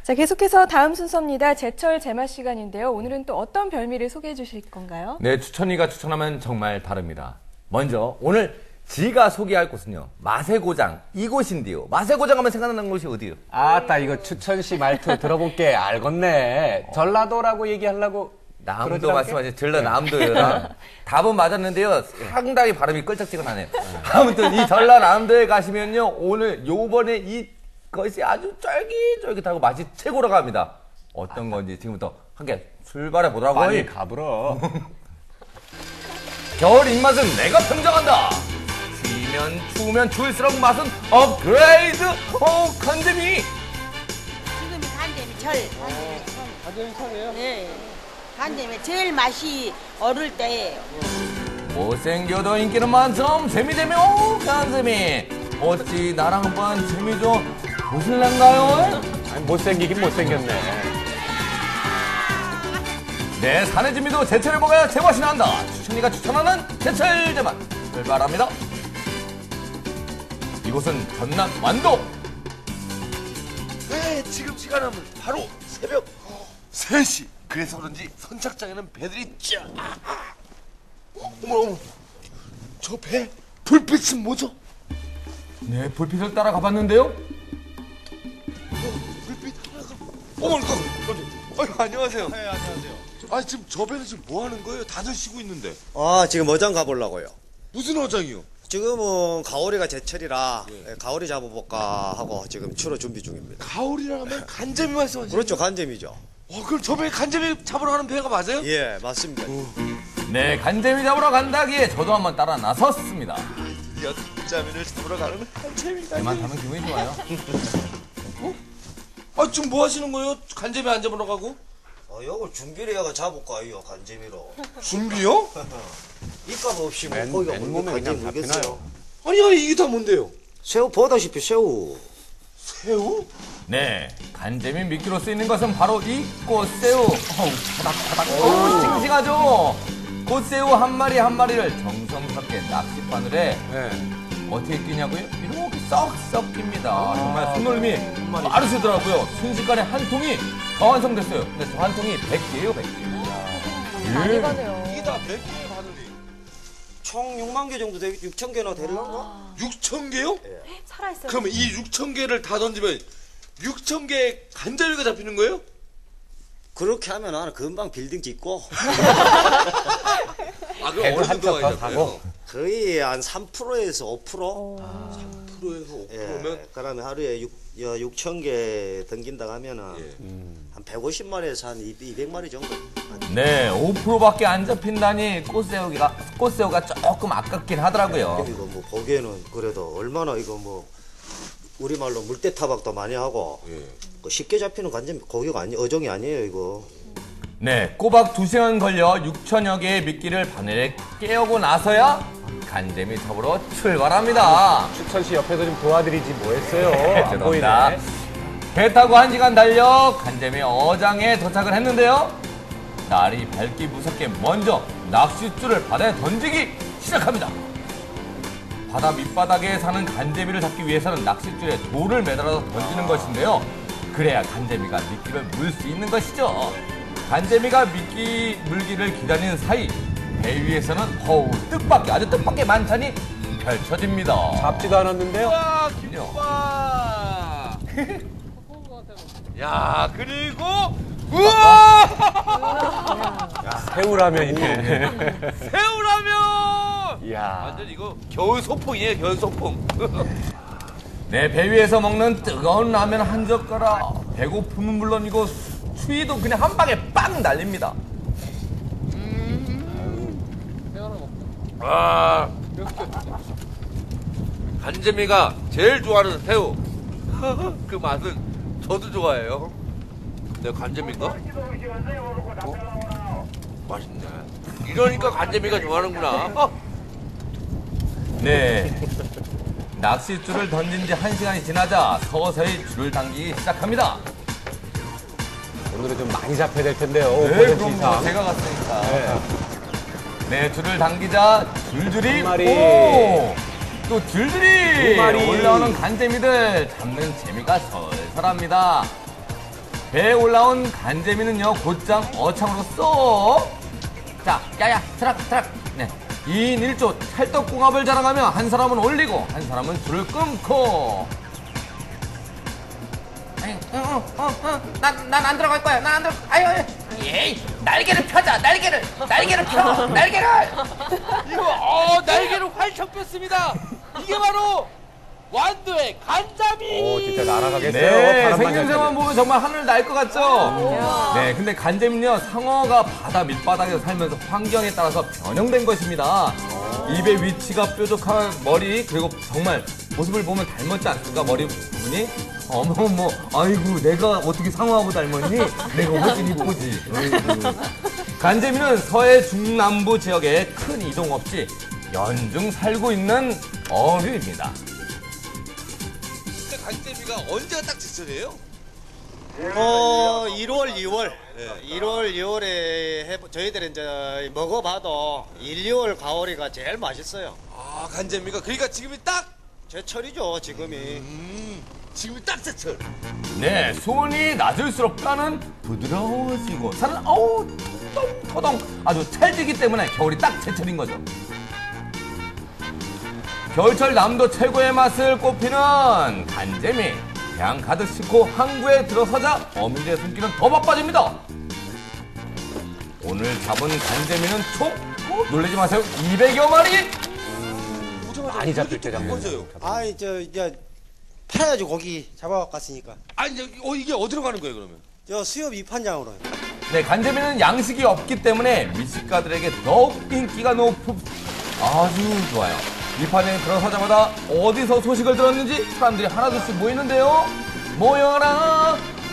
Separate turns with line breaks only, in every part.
자, 계속해서 다음 순서입니다. 제철 제맛 시간인데요. 오늘은 또 어떤 별미를 소개해 주실 건가요?
네, 추천이가 추천하면 정말 다릅니다. 먼저 오늘 지가 소개할 곳은요, 맛의 고장 이곳인데요. 맛의 고장 하면 생각나는 곳이 어디요?
아따, 이거 추천씨 말투 들어볼게 알겠네. 전라도라고 얘기하려고.
남도 말씀하신 전라남도요. 답은 맞았는데요. 상당히 발음이 끌쩍지근하네요. 아무튼 이 전라남도에 가시면요, 오늘 요번에 이것이 아주 쫄깃쫄깃하고 맛이 최고라고 합니다. 어떤 건지 지금부터 함께 출발해 보라고요.
빨리 가불어.
겨울 입맛은 내가 평정한다. 추우면 추우면 추울수록 맛은 업그레이드. 간재미.
지금이 간대미 절. 간대미 철이에요? 네. 간대미 제일 맛이 어릴 때예요.
못생겨도 인기는 만점 재미되며 간재미. 어찌 나랑 한번 재미 좀 보실란가요?
아니, 못생기긴 못생겼네.
내 산의 재미도 제철에 먹어야 제맛이 난다. 추천이가 추천하는 제철 제맛 출발합니다. 이곳은 전남 완도.
네, 지금 시간은 바로 새벽 3시. 그래서 그런지 선착장에는 배들이 쫙. 어머, 저 배 불빛은 뭐죠?
네, 불빛을 따라 가봤는데요.
불빛 하나가. 어머, 안녕하세요. 네, 안녕하세요. 아, 지금 저 배는 지금 뭐 하는 거예요? 다들 쉬고 있는데.
아, 지금 어장 가보려고요.
무슨 어장이요?
지금은 가오리가 제철이라 가오리 잡아볼까 하고 지금 추러 준비 중입니다.
가오리라 하면 간재미 말씀하시죠?
그렇죠, 간재미죠.
그럼 저 배 간재미 잡으러 가는 배가 맞아요?
예, 맞습니다.
네, 간재미 잡으러 간다기에 저도 한번 따라 나섰습니다.
드디어 간재미를 잡으러 가는 간재미가.
배만 타면 기분이 좋아요.
지금 뭐 하시는 거예요? 간재미 안 잡으러 가고?
이걸 준비를 해가 잡을까, 이거 간재미로.
준비요?
입값 없이 뭐 거기가
맨몸에 그냥 잡히나요?
아니, 이게 다 뭔데요?
새우 보다시피 새우.
새우?
네, 간재미 미끼로 쓰이는 것은 바로 이 꽃새우. 바닥바닥. 싱싱하죠? 꽃새우 한 마리 한 마리를 정성스럽게 낚싯바늘에 어떻게 끼냐고요? 이렇게 썩썩 낍니다. 정말 손놀림이 빠르시더라고요. 순식간에 한 통이 다 완성됐어요. 근데 저 한 통이 100개예요, 100개.
많이 가네요.
이게 다 100개의 바늘이.
총 6만 개 정도 되겠, 6천 개나 되려나?
6천 개요?
살아있어요.
그러면 이 6천 개를 다 던지면 6천 개의 간재미가 잡히는 거예요?
그렇게 하면 나는 금방 빌딩 짓고
그럼
배를
어느
한
정도가
척 더
잡혀요?
사고.
거의 한 3%에서 5%?
3%에서 5%면?
그러면 하루에 6천 개 던긴다고 하면은 한 150마리에서 한 200마리 정도.
네, 5%밖에 안 잡힌다니 꽃새우가 조금 아깝긴 하더라고요.
이거 뭐 보기에는 그래도 얼마나 이거 뭐 우리말로 물대 타박도 많이 하고 그 쉽게 잡히는 간재미 고기가 어종이 아니에요, 이거.
네, 꼬박 2시간 걸려 6천여 개의 미끼를 바늘에 깨우고 나서야 간재미 잡으러 출발합니다.
추천씨 옆에서 좀 도와드리지 뭐 했어요? 안
죄송합니다.
보이네.
배 타고 1시간 달려 간재미 어장에 도착을 했는데요. 날이 밝기 무섭게 먼저 낚싯줄을 바다에 던지기 시작합니다. 바다 밑바닥에 사는 간재미를 잡기 위해서는 낚싯줄에 돌을 매달아서 던지는 것인데요. 그래야 간재미가 미끼를 물 수 있는 것이죠. 간재미가 미끼 물기를 기다리는 사이 배 위에서는 아주 뜻밖의 만찬이 펼쳐집니다.
잡지도 않았는데요?
와, 김밥! 야, 그리고 우와!
새우라면이네.
새우라면!
이야.
완전 이거 겨울 소풍이에요, 겨울 소풍.
네, 배 위에서 먹는 뜨거운 라면 한 젓가락. 배고픔은 물론이고 추위도 그냥 한 방에 빵 날립니다.
아, 간재미가 제일 좋아하는 새우. 그 맛은 저도 좋아해요. 근데 간재미인가? 맛있네. 이러니까 간재미가 좋아하는구나.
네. 낚싯줄을 던진 지 1시간이 지나자 서서히 줄을 당기기 시작합니다.
오늘은 좀 많이 잡혀야 될 텐데요.
네,
5%
그럼
이상.
뭐 제가 갔으니까. 네, 줄을 당기자 줄줄이
한 마리.
오! 또 줄줄이
두 마리.
올라오는 간재미들 잡는 재미가 설설합니다. 배에 올라온 간재미는요 곧장 어창으로 쏙. 자, 야야, 트락. 네, 2인 1조 찰떡궁합을 자랑하며 한 사람은 올리고 한 사람은 줄을 끊고. 난 안 들어갈 거야. 난 안 들어. 아유. 에이, 날개를 펴자. 날개를 펴. 날개를.
이거 날개를 활짝 폈습니다. 이게 바로 완도의 간자미.
오, 진짜 날아가겠어요.
네,
바람만
생김새만 보면 정말 하늘 날 것 같죠? 네, 근데 간재미는요, 상어가 바다 밑바닥에서 살면서 환경에 따라서 변형된 것입니다. 입의 위치가 뾰족한 머리, 그리고 정말 모습을 보면 닮았지 않습니까? 머리 부분이? 어머, 아이고, 내가 어떻게 상어하고 닮았니? 내가 훨씬 이쁘지. 아이고. 간재미는 서해 중남부 지역에 큰 이동 없이 연중 살고 있는 어류입니다.
간재미가 언제가 딱 제철이에요?
1월, 2월. 1월, 2월에 저희들이 이제 먹어봐도 1, 2월 가오리가 제일 맛있어요.
아, 간재미가 그러니까 지금이 딱
제철이죠, 지금이.
지금이 딱 제철.
네, 수온이 낮을수록 뼈는 부드러워지고 살은 토동 아주 찰지기 때문에 겨울이 딱 제철인 거죠. 겨울철 남도 최고의 맛을 꼽히는 간재미. 배양 가득 싣고 항구에 들어서자 어민들의 손길은 더 바빠집니다. 오늘 잡은 간재미는 총 놀라지 마세요, 200여 마리.
많이 잡힐 때 잡는
거죠.
아이, 이제 팔아야지 고기 잡아갔으니까.
아니, 이게 어디로 가는 거예요, 그러면?
저 수협 입판장으로요.
네, 간재미는 양식이 없기 때문에 미식가들에게 더욱 인기가 아주 좋아요. 입판장에 들어서자마자 어디서 소식을 들었는지 사람들이 하나둘씩 모이는데요. 모여라.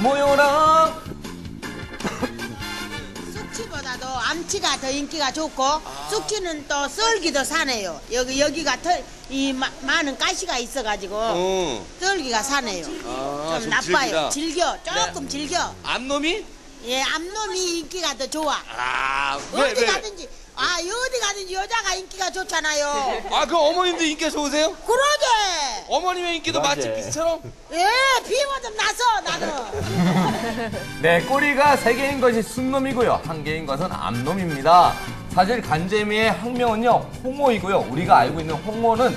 숙치보다도 암치가 더 인기가 좋고 숙치는 또 썰기도 사네요. 여기가 많은 가시가 있어가지고 썰기가 사네요. 좀 나빠요. 조금 즐겨.
암놈이?
예, 암놈이 인기가 더 좋아.
왜?
어디 가든지 여자가 인기가 좋잖아요.
아, 그 어머님도 인기가 좋으세요?
그러게.
어머님의 인기도 맛집 비슷처럼?
예, 비모 좀 나서 나는.
네, 꼬리가 3개인 것이 순놈이고요. 1개인 것은 암놈입니다. 사실 간재미의 학명은요, 홍어이고요. 우리가 알고 있는 홍어는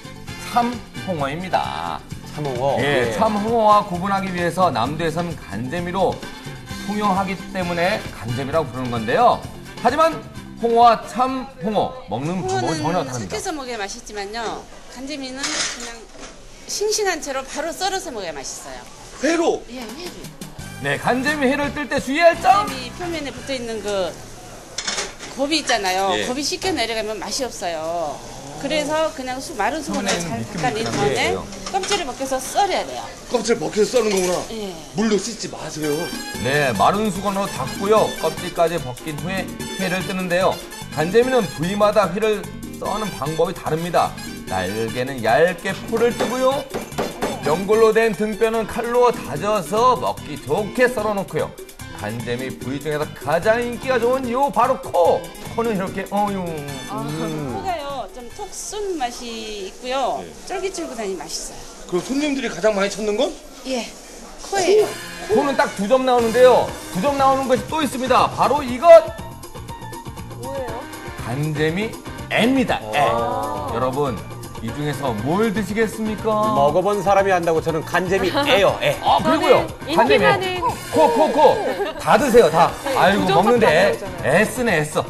참홍어입니다.
참홍어.
예, 참홍어와 구분하기 위해서 남도에서는 간재미로 통용하기 때문에 간재미라고 부르는 건데요. 하지만 홍어와 참홍어 먹는 방법은 전혀
홍어는
다릅니다.
삭혀서 먹어야 맛있지만요. 간재미는 그냥 싱싱한 채로 바로 썰어서 먹어야 맛있어요.
회로?
예, 회로.
네, 간재미 회를 뜰 때 주의할 점.
간재미 표면에 붙어 있는 그 곱이 있잖아요.
예.
곱이 씻겨 내려가면 맛이 없어요. 그래서 그냥 마른 수건으로 잘 닦아낸 다음에 껍질을 벗겨서 썰어야 돼요.
껍질 벗겨서 써는 거구나.
예.
물로 씻지 마세요.
네, 마른 수건으로 닦고요. 껍질까지 벗긴 후에 회를 뜨는데요. 간재미는 부위마다 회를 써는 방법이 다릅니다. 날개는 얇게 포를 뜨고요. 연골로 된 등뼈는 칼로 다져서 먹기 좋게 썰어놓고요. 간재미 부위 중에서 가장 인기가 좋은 요 바로 코. 코는 이렇게
코가요 좀 톡 쏜 맛이 있고요. 쫄깃쫄깃하니 맛있어요.
그럼 손님들이 가장 많이 찾는 건?
예, 코예요.
코는 딱 2점 나오는데요. 2점 나오는 것이 또 있습니다. 바로 이것.
뭐예요?
간재미 애입니다. 애. 여러분, 이 중에서 뭘 드시겠습니까?
먹어본 사람이 한다고 저는 간재미 애요, 애.
그리고요.
인기
간재미
많은
코. 다 드세요, 다. 아이고,
부족한
먹는데
단어잖아요.
애쓰네, 애써.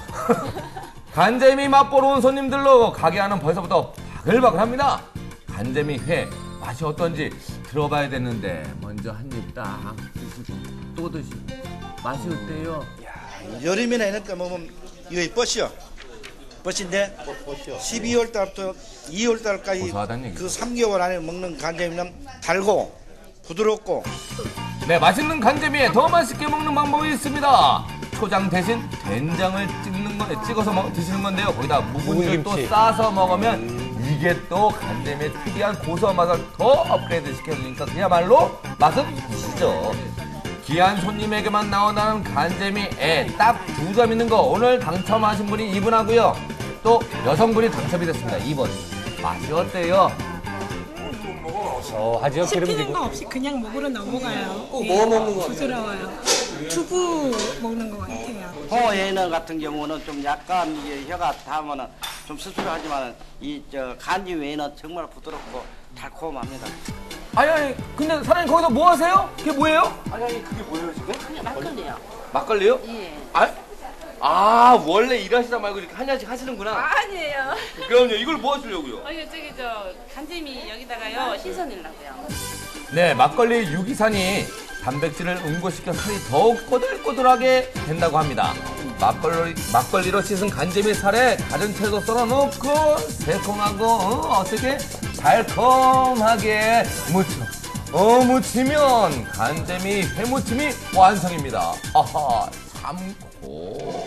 간재미 맛보러 온 손님들로 가게 안은 벌써부터 바글바글합니다. 간재미 회 맛이 어떤지 들어봐야 되는데 먼저 한 입 딱 드시고 또 드시고 맛이 어때요?
여름이나 이렇게 먹으면 이거 뻗이요. 뻗인데 12월 달부터 2월 달까지
고소하다는 얘기죠.
그 3개월 안에 먹는 간장면 달고 부드럽고.
네, 맛있는 간재미에 더 맛있게 먹는 방법이 있습니다. 초장 대신 된장을 찍어서 드시는 건데요. 거기다 묵은지를 또
묵은김치.
싸서 먹으면 이게 또 간재미의 특이한 고소한 맛을 더 업그레이드 시켜주니까 그야말로 맛은 보시죠. 귀한 손님에게만 나온다는 간재미 애 딱 2점 있는 거 오늘 당첨하신 분이 이분하고요. 또 여성분이 당첨이 됐습니다. 2번. 맛이 어때요?
고소하죠,
씹히는
기름지고.
거 없이 그냥 목으로 넘어가요.
뭐 먹는 거
부드러워요. 두부 먹는 것 같아요.
호에너 같은 경우는 좀 약간 이게 혀가 닿으면은 좀 씁쓸하지만 이 저 간지 외에는 정말 부드럽고 달콤합니다.
아니, 근데 사장님 거기서 뭐 하세요? 그게 뭐예요?
아니 그게 뭐예요 지금?
그냥 막걸리요.
막걸리요?
예.
원래 일하시다 말고 이렇게 한 잔씩 하시는구나.
아니에요.
그럼요. 이걸 뭐 하시려고요?
저기 저 간재미 여기다가요 신선이라고요.
네, 막걸리 유기산이 단백질을 응고시켜 살이 더욱 꼬들꼬들하게 된다고 합니다. 막걸리로 씻은 간재미 살에 다른 채소 썰어 넣고 새콤하고 어떻게 달콤하게 무치면 간재미 회무침이 완성입니다. 아하, 참고.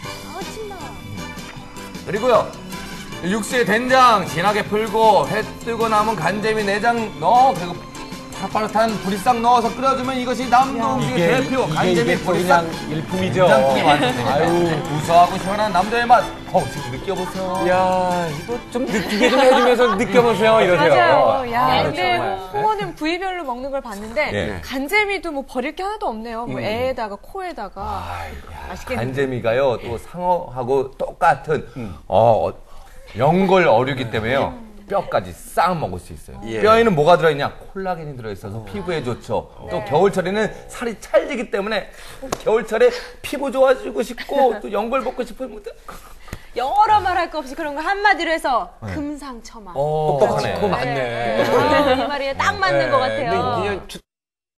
그리고요, 육수에 된장 진하게 풀고 회 뜨고 남은 간재미 내장 넣어 그리고 파릇파릇한 보리싹 넣어서 끓여주면 이것이 남도 음식의 대표 간재미 보리싹
그냥 일품이죠.
된장국이 완성됩니다.
아유.
구수하고 시원한 남도의 맛. 지금 느껴보세요.
이야, 이거 좀 느끼게 좀 해주면서 느껴보세요, 이러세요.
맞아요. 야, 근데
정말.
홍어는 부위별로 먹는 걸 봤는데
네.
간재미도 뭐 버릴 게 하나도 없네요. 뭐 애에다가 코에다가 맛있겠네요.
간재미가요 또 상어하고 똑같은 연골 어류기 때문에요. 뼈까지 싹 먹을 수 있어요. 뼈에는 뭐가 들어있냐? 콜라겐이 들어있어서 피부에 좋죠. 또 겨울철에는 살이 찰지기 때문에 겨울철에 피부 좋아지고 싶고 또 연골 먹고 싶은 분들
영어로 말할 거 없이 그런 거 한마디로 해서 금상첨화.
똑똑하네.
그거 맞네.
이 말이 딱 맞는 것 같아요.
근데 이게